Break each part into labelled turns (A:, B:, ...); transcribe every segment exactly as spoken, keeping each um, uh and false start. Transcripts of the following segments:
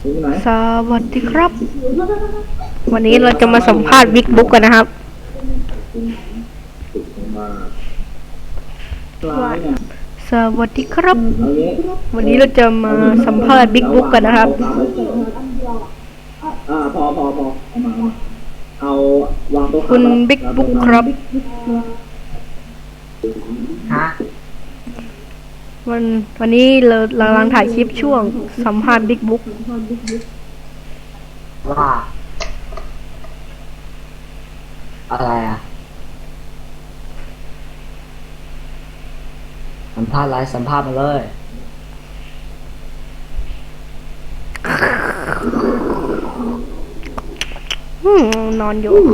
A: สวัสดีครับวันนี้เราจะมาสัมภาษณ์บิ๊กบุ๊กกันนะครับสวัสดีครับวันนี้เราจะมาสัมภาษณ์บิ๊กบุ๊กกันนะครับ
B: อ่าพอพอพอเอาวางโต๊ะ
A: คุณบิ๊กบุ๊กครับ
B: ฮะ
A: วันวันนี้เรากำลังถ่ายคลิปช่วงสัมภาษณ์บิ๊กบุ๊ก
B: ว่าอะไรอ่ะสัมภาษณ์อะไรสัมภาษณ์มาเลย
A: อืมนอนอยู่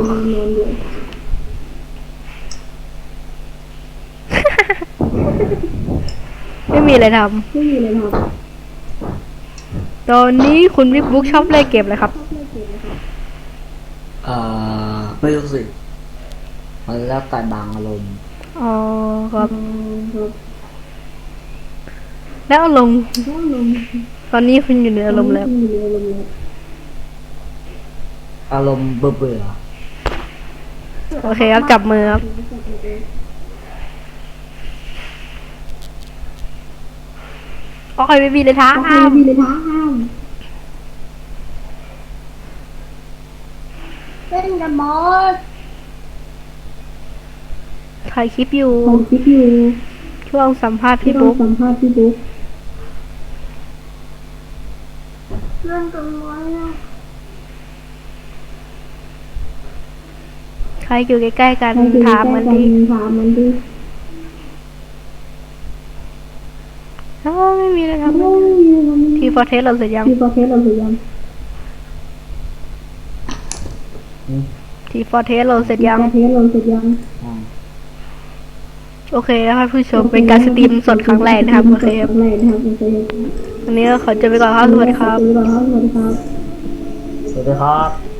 A: ไม่มีอะไรทำไม่มีอะไรทำตอนนี้คุณบิ๊กบุ๊กชอบเล่นเกมอะไรครับ
B: เอ่อไม่รู้สิมันแล้วแต่บางอารมณ์
A: อ๋อครับแล้วอารมณ์ตอนนี้คุณอยู่ในอารมณ์แล้ว
B: อารมณ์เบื่อเบื่อ
A: โอเคครับจับมือครับโอ้ยไม่มีเลยท้าห้าม
C: เล่นกับมอส
A: ถ่ายคลิปอยู่
C: ถ่ายคลิปอยู่
A: ช่วงสัมภาษณ์พี่บุ๊ก
C: สัมภาษณ์พี่บุ๊กเล่นกับมอสนะ
A: ใครอยู่ใกล้ๆกันถามมันดิ
C: ถามมันดิ
A: อ๋อไม่มีเลยครับทีฟอร์เทสเราเสร็จยัง
C: ทีฟอร์เทสเราเสร็จยัง
A: ทีฟอร์เทสเราเสร็จยัง
C: เทสเราเสร็จยัง
A: โอเคนะครับผู้ชมเป็นการสตรีมสดครั้งแรกนะครับโอเคครับวันนี้เราขอจบไปก่อนครับสวัสดีครับ
B: สวัสดีครับสวัสดีครับ